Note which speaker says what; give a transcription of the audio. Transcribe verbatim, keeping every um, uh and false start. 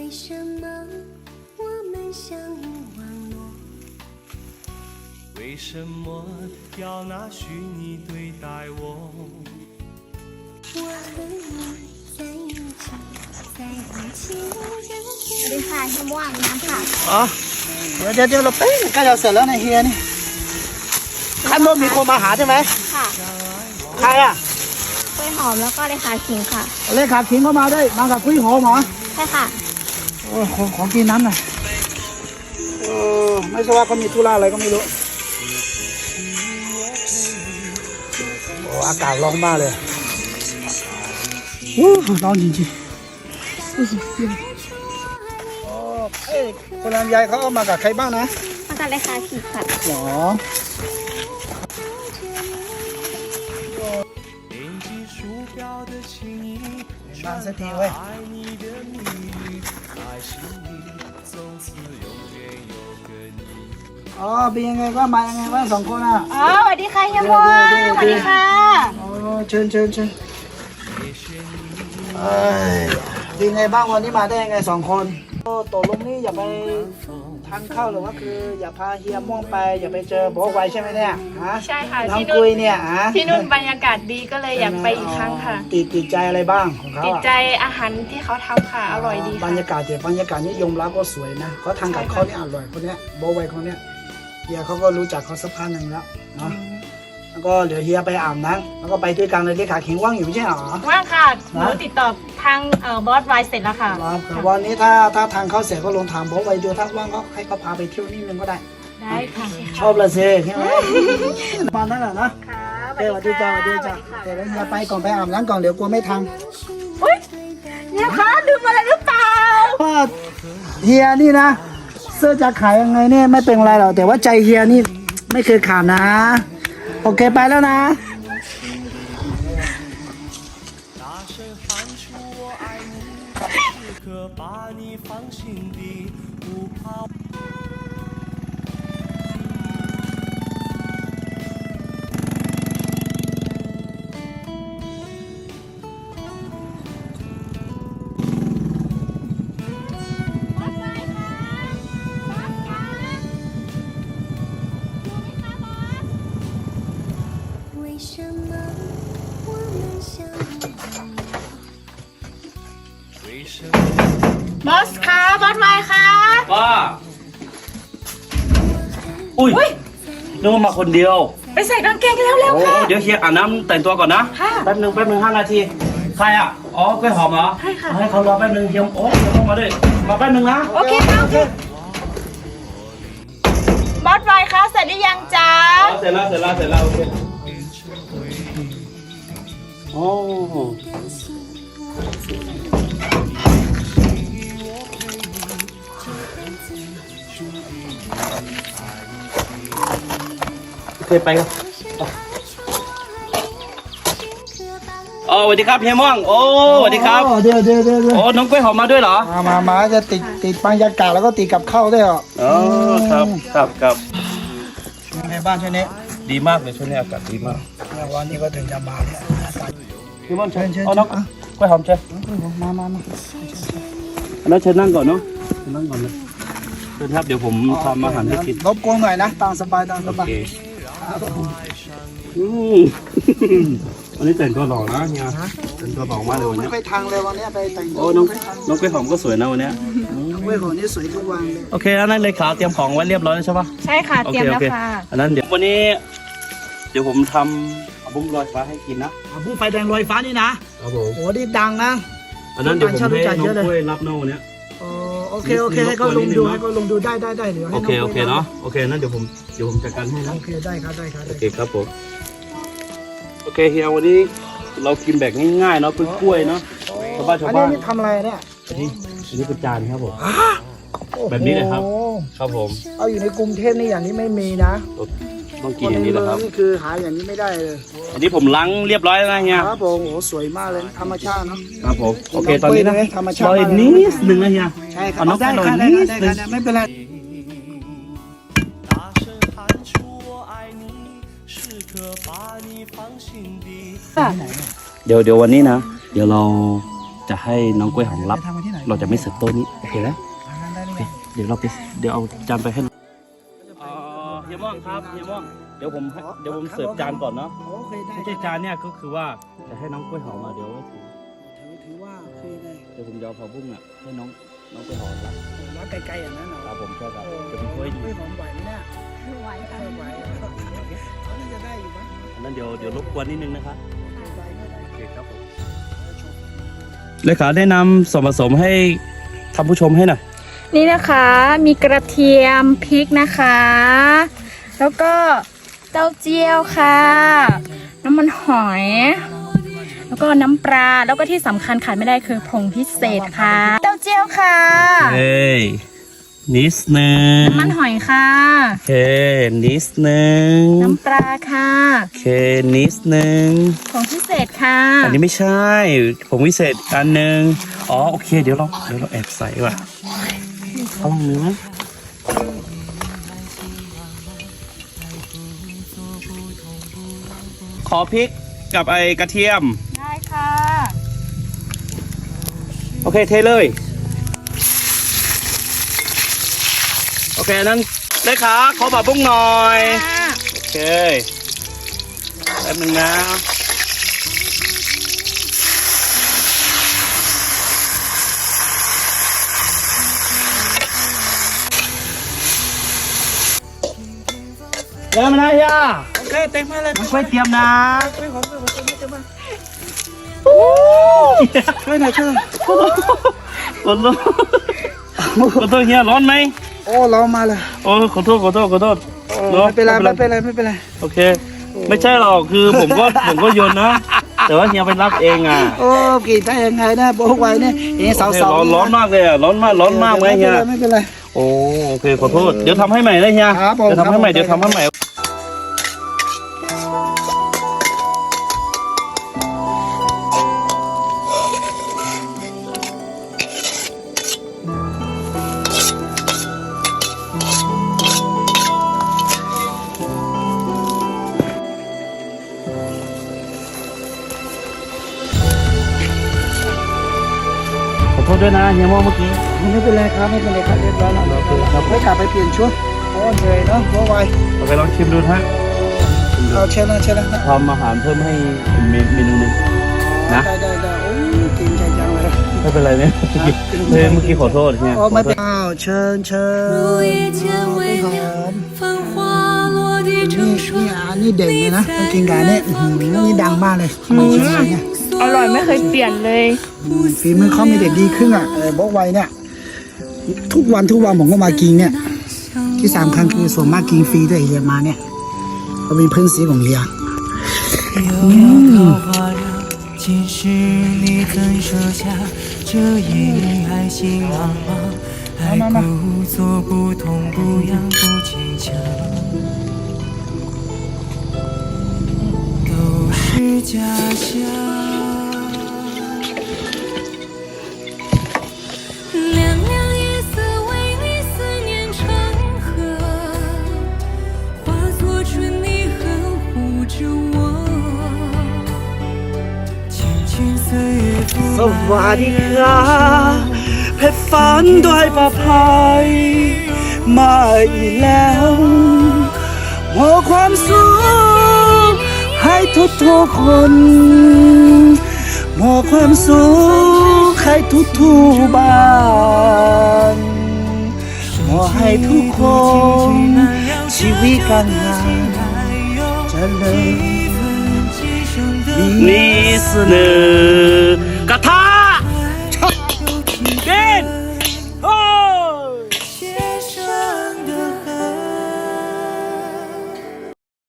Speaker 1: 什么我们相遇网络？
Speaker 2: 为什么要拿虚拟对待我？
Speaker 1: 我和你在一起，在一起的
Speaker 3: สวัสดีค่ะเฮียม่วงน้ำค่ะ
Speaker 4: อ๋อเดี๋ยวเดี๋ยวเดี๋ยวเราเป๊ะใกล้จะเสร็จแล้วนะเฮียนี่ข้างบนมีคนมาหาใช่ไหม
Speaker 3: ค่ะ
Speaker 4: ใครอ่ะ
Speaker 3: กล้วยหอมแล้วก็เลขาขิงค่ะ
Speaker 4: เลขาขิงเข้ามาด้วยมากับกุ้ยหอมเหรอ
Speaker 3: ใช่ค่ะ
Speaker 4: โอ้ของของกินน้ำหน่อยเออไม่ทราบว่าเขามีธุระอะไรก็ไม่รู้โอ้อากาศร้อนมากเลยโอ้ร้อนจริงๆโอ้เอ้ยคนลำไยเขาเอามากับใครบ้างนะ
Speaker 3: มากับเลขาขิงค่ะ
Speaker 4: หรอ
Speaker 2: 点击鼠标的轻易
Speaker 4: มาสักทีเว้ย
Speaker 2: 爱你的秘密，在心里从此永远有个你。
Speaker 4: อ๋อเป็นยังไงก็มายังไงว่าสองคนอ่ะ
Speaker 3: อ๋อสวัสดีค่ะเฮียม่วงสวัสดีค่ะ
Speaker 4: อ๋อเชิญเชิญเชิญเอ้ยเป็นไงบ้างวันนี้มาได้ยังไงสองคนโอ้ตกลงนี่อย่าไปทานข้าวหรือว่าคืออย่าพาเฮียม่วงไปอย่าไปเจอโบไวใช่ไหมเนี่ยฮะ
Speaker 5: ใช่ค่ะ
Speaker 4: น้อง
Speaker 5: ที่นู่
Speaker 4: กุ
Speaker 5: น
Speaker 4: ยเนี่ยฮะ
Speaker 5: ที่นู่นบรรยากาศดีก็เลยอยากไปอีกครั้งค่ะ
Speaker 4: ติดติดใจอะไรบ้างของเขา
Speaker 5: ติด
Speaker 4: อะ
Speaker 5: ใจอาหารที่เขาทำค่ะ อร่อยดี
Speaker 4: บร
Speaker 5: ค่ะ
Speaker 4: รยากาศเดี๋ยวบรรยากาศนี่ยมรับก็สวยนะเขาทางกับเขาเนี่ยอร่อยคนเนี้ยโบไวคนเนี้ยเฮียเขาก็รู้จักเขาสักพักหนึ่งแล้วเนาะแล้วก็เดี๋ยวเฮียไปอาบน้ำแล้วก็ไปด้วยกันเลยที่ขาขิงว่างอยู่ไม่ใช่เหรอ
Speaker 5: ว่างค่ะหนูติดต่อทางเอ่อบอสไวเสร็จแล้วค่ะ
Speaker 4: ครับแต่วันนี้ถ้าถ้าทางเขาเสร็จก็ลงถามโบไวดูถ้าว่างก็ให้เขาพาไปเที่ยวนิดนึงก็ได้
Speaker 5: ได้ค่ะ
Speaker 4: ชอบละสิใช่ไหมประมาณนั้นแหละนะ
Speaker 5: ค่ะ
Speaker 4: เดี๋ยวสวัสดีจ้าสวัสดีจ้าเดี๋ยวเฮียไปก่อนไปอาบน้ำก่อนเดี๋ยวกลัวไม่ทัน
Speaker 5: เนี่ยคะลืมอะไรหรือเปล่า
Speaker 4: ว่าเฮียนี่นะเสื้อจะขายยังไงเนี่ยไม่เป็นไรหรอกแต่ว่าใจเฮียนี่ไม่เคยขาดนะโอเคไปแล้วนะ
Speaker 2: 大声喊出我爱你，时刻把你放心底，不怕。
Speaker 1: 为什么我们相遇网络？
Speaker 2: 为什么
Speaker 5: บอสคะบอสไวคะ
Speaker 6: ว่าอุ้ยนึกว่ามาคนเดียว
Speaker 5: ไปใส่กางเกงเร็ว
Speaker 6: โอ้
Speaker 5: ๆค่ะ
Speaker 6: เดี๋ยวเฮียอาบน้ำแต่งตัวก่อนนะ
Speaker 5: ค่ะ
Speaker 6: แป๊บหนึ่งแป๊บหนึ่งห้านาที ใครอ่ะ อ๋อกล้วยหอมเหรอ
Speaker 5: ใช่ค่ะ
Speaker 6: ให้เขารอแป๊บหนึ่งเฮียโอ้เฮียต้องมาด้วยมาแป๊บหนึ่งนะ
Speaker 5: โอเคค่ะโอเคบอสไวคะเสร็จหรือยังจ๊ะ
Speaker 6: อ๋อเสร็จแล้วเสร็จแล้วเสร็จแล้วโอเคโอ้เคยไปครับอ๋อสวัสดีครับเฮียม่วงโอ้สวัสดีครับ
Speaker 4: อ๋อเดี๋ยวเดี๋ยวเดี๋ยวเดี๋ยว
Speaker 6: โอ้น้องกล้วยหอมมาด้วยเหรอ
Speaker 4: มามามาจะติดติดบรรยากาศแล้วก็ติดกับข้าวด้วยเหรอ
Speaker 6: อ๋อครับครับครับ
Speaker 4: ในบ้านช่วงนี้
Speaker 6: ดีมากเลยช่วงนี้อากาศดีมาก
Speaker 4: เนี่ยวันนี้ก็ถึงจะมาเนี่ยอากาศ
Speaker 6: พี่ม่อนเชิญ
Speaker 4: เชิญ
Speaker 6: เอาน้อง
Speaker 4: อ่ะ
Speaker 6: กล้วยหอมเชิญ
Speaker 4: มามามา
Speaker 6: แล้วเชิญนั่งก่อนเนาะเชิญนั่งก่อนเลยเชิญครับเดี๋ยวผมทำอาหารให้กิน
Speaker 4: รบกวนหน่อยนะตามสบายตามส
Speaker 6: โอบ
Speaker 4: าย
Speaker 6: เคอืม วันนี้แต่งตัวหล่อนะเฮียแต่งตัวหล่อมากเลยวัน
Speaker 4: ไม่
Speaker 6: นี้
Speaker 4: ค่อยทางเลยวันนี้ไปแต่ง
Speaker 6: โอ้น้องน้องกล้วยหอมก็สวยนะวันเนี้ย
Speaker 4: เว้ยของนี่สวยทุกวันเลย
Speaker 6: โอเคแล้วนั่นเลยขาเตรียมของไว้เรียบร้อยแล้วใช่ปะ
Speaker 5: ใช่ค่ะ
Speaker 6: โอ
Speaker 5: เตรี
Speaker 6: เค
Speaker 5: ยม
Speaker 6: โอ
Speaker 5: แล้ว
Speaker 6: เค
Speaker 5: ค่ะ
Speaker 6: อันนั้นเดี๋ยววันนี้ เดี๋ยวผมทำเอาบุ้มลอยฟ้าให้กินนะ
Speaker 4: อ่ะผู้ไฟแดงลอยฟ้านี่นะครับ
Speaker 6: ผม
Speaker 4: โอ้นี่ดังนะ
Speaker 6: อันนั้นเดี๋ยวผมให้
Speaker 4: ต่างชาติรู้จัก
Speaker 6: น้อง
Speaker 4: เยอะเลย
Speaker 6: กล้วยรับเนาวันเนี้ย
Speaker 4: อ๋อโอเคโอเคให้เขาลงดูให้เขาลงดูได้ได้ได้เดี๋ยวให้
Speaker 6: โอ
Speaker 4: น้อง
Speaker 6: เคโอเค
Speaker 4: ไป
Speaker 6: เนาะโอเคนั่นเดี๋ยวผมเดี๋ยวผมจัดการให้นะ
Speaker 4: โอเคได้ครับได้ครับ
Speaker 6: โอ
Speaker 4: ได้
Speaker 6: เคครับผมโอเคเฮียวันนี้เรากินแบบง่ายๆเนาะกล้วยๆเนาะชาวบ้านชาว
Speaker 4: อัน
Speaker 6: บ้า
Speaker 4: นี้
Speaker 6: น
Speaker 4: นี่ทำอะไรเนี่ย
Speaker 6: อันนี้อันนี้เป็นจานครับผม แบบนี้เลยครับ
Speaker 4: โอ้โห
Speaker 6: ครับผม
Speaker 4: เอาอยู่ในกรุงเทพนี่อย่างนี้ไม่มีนะ
Speaker 6: ต้องกินอย่างนี้แหละครับ
Speaker 4: นี่คือหาอย่างนี้ไม่ได้เลย
Speaker 6: อันนี้ผมล้างเรียบร้อยแล้วนะเฮีย
Speaker 4: ครับผมโอ้สวยมากเลยธรรมชาติเนาะ
Speaker 6: ครับผมโอเคตอนนี้นะ
Speaker 4: ธรรมชาติ
Speaker 6: รออีกนิดนึงนะเฮีย
Speaker 4: ใช่ครับ
Speaker 6: เอาน้อง
Speaker 4: ได้
Speaker 6: รอ
Speaker 4: ค่ะ
Speaker 6: อีก
Speaker 4: ได้
Speaker 6: นิ
Speaker 4: ค่ะ
Speaker 6: ด
Speaker 4: ได้
Speaker 6: นึง
Speaker 4: ค่ะไม่เป็นไร
Speaker 2: 大声喊出我爱你，时刻把你放心底。
Speaker 6: เดี๋ยวเดี๋ยววันนี้นะ เดี๋ยวเราจะให้น้องกล้วยหอมรับ
Speaker 4: ทำมาที่ไหน
Speaker 6: เราจะไม่เสิร์ฟโต๊ะนี้โอเคไหม
Speaker 4: ได้
Speaker 6: โอ
Speaker 4: ไห
Speaker 6: เค
Speaker 4: ม
Speaker 6: เดี๋ยวเราไปเดี๋ยวเอาจานไปให้อ๋อเฮียม่องครับเฮียม่องเดี๋ยวผมให้เดี๋ยวผมเสิร์ฟจานก่อนเนาะ
Speaker 4: โอเคได้
Speaker 6: ไม่ใช่จานเนี่ยก็คือว่าจะให้น้องกล้วยหอมมาเดี๋ยวไว้ถือ
Speaker 4: ถือถือว่าคือไง
Speaker 6: เดี๋ยวผมจะเอาผักบุ้งอ่ะให้น้องน้องกล้วยหอมรับ
Speaker 4: แล้วไกลๆอย่างนั้นเหรอ
Speaker 6: ครับผมใช่ครับ
Speaker 4: โอ้
Speaker 6: จะเป็นกล้วยดี
Speaker 4: ไม่หอมไหวไหมเนี่ย
Speaker 3: ไหวค่ะ
Speaker 4: ไม่ไหวเขาน่าจะได้อยู่มั้ง
Speaker 6: อันนั้นเดี๋ยวเดี๋ยวรบกวนนิดนึงนะครับ
Speaker 4: ไหวไม่ได้
Speaker 6: โอเคครับผมเลขาแนะนำส่วนผสมให้ท่านผู้ชมให้หน่อย
Speaker 3: นี่นะคะมีกระเทียมพริกนะคะ แล้วก็เต้าเจี้ยวค่ะ น้ำมันหอย แล้วก็น้ำปลาแล้วก็ที่สำคัญขาดไม่ได้คือผงพิเศษค่ะ เต้าเจี้ยวค่ะ
Speaker 6: เฮ้ยนิดนึง
Speaker 3: น้ำมันหอยค่ะ
Speaker 6: โอเคนิดนึง
Speaker 3: น้ำปลาค่ะ
Speaker 6: โอเคนิดนึง
Speaker 3: ผงพิเศษค่ะ
Speaker 6: อันนี้ไม่ใช่ผงวิเศษอันหนึ่งอ๋อโอเคเดี๋ยวเราเดี๋ยวเราแอบใส่ว่ะเอาลองมือไหมขอพริกกับไอกระเทียม
Speaker 3: ได้ค่ะ
Speaker 6: โอเคเทเลย โอเคนั้นเลขาขอผักบุ้งหน่อย โอเคแป๊บนึงนะเริ่มนะย่า
Speaker 4: โอเคเต็มมาเลย
Speaker 6: ช่วยเตรียมนะ
Speaker 4: ไม่หอมไม่หอมเต็มมาเต็มมาช่วยหน่อยช่วยหน่อย
Speaker 6: ขอโทษขอโทษขอโทษเฮียร้อนไหม
Speaker 4: โอ้เรามาเลย
Speaker 6: โอ้ขอโทษขอโทษขอโทษ
Speaker 4: ไม่เป็นไรไม่เป็นไรไม่เป็นไร
Speaker 6: โอเค ไม่ใช่หรอกคือผมก็ผมก็โยนนะ แต่ว่าเฮียไปรับเองอ่ะ
Speaker 4: โอ้กี่ได้ยังไงนะโบกไว้เนี่ยนี่สาว
Speaker 6: โอเค
Speaker 4: สาว
Speaker 6: ร้อนร้อนมากเลยอ่ะร้อนมากร้อนมากไหมเฮีย
Speaker 4: ไม่เป็นไร
Speaker 6: โอ้โอเคขอโทษเดี๋ยวทำให้ใหม่นะเฮีย
Speaker 4: ครับผม
Speaker 6: เดี๋ยวทำให้ใหม่
Speaker 4: ครับผม
Speaker 6: เดี๋ยวทำให้ใหม่ขอโทษด้วยนะเฮียโม่เมื่อกี้
Speaker 4: ไม่เป็นไรครับไม่เป็นไรครับเรียบร้อยแล้วโอเคครับไม่กลับไปเปลี่ยนชุดโอ้เหนื่อยเนาะโบกไว้
Speaker 6: โอเคลองชิมดูนะฮะชิมดู
Speaker 4: เอาเชิญนะเชิญนะ
Speaker 6: ทำอาหารเพิ่มให้เมเมนูหนึงนะ
Speaker 4: ได้ได้ได้โอ้ยเก่งใจจังเลย
Speaker 6: ไม่เป็นไรเนี่ยเมื่อกี้เมื่อกี้ขอโทษเฮีย
Speaker 4: โอ้ไม่เป็นไรอ้าวเชิญเชิญ
Speaker 1: 入夜间
Speaker 4: ไม่
Speaker 1: 微
Speaker 4: หอ
Speaker 1: 凉，
Speaker 4: ม
Speaker 1: 繁花落地
Speaker 4: นี่
Speaker 1: 成霜
Speaker 4: นี่。อันนี้เด่นเลยนะต้องกินกับอันนี้อื้อหือนี่ดังมากเลยทำไมเชียงรายเนี่ย
Speaker 3: อร่อยไม่เคยเปลี่ยนเลย
Speaker 4: ฝีมือเขามีเด็ดดีขึ้นอ่ะเออบอกไว้เนี่ยทุกวันทุกวันผมก็มากินเนี่ย ที่สำคัญคือส่วนมากกินฟรีด้วยเฮียมาเนี่ยเขามีเพื่อนสีของเฮีย
Speaker 2: 遥遥桃花凉，今时你怎舍下这一女爱心茫茫，还故作不痛不痒不坚强，都是假象。
Speaker 1: 凉凉夜色为你思念成河，化作春泥呵护着我。
Speaker 2: 轻轻岁月拂
Speaker 6: สวัสดีครับเพชรฝันด้วยประภัยมาอีกแล้วมอบความสุขให้ทุกทุกๆคนมอบความสุขให้ทุกทุกๆบ้านมอบให้ทุกคนชีวิตการงานเจริญ
Speaker 2: 几声的
Speaker 6: 你是能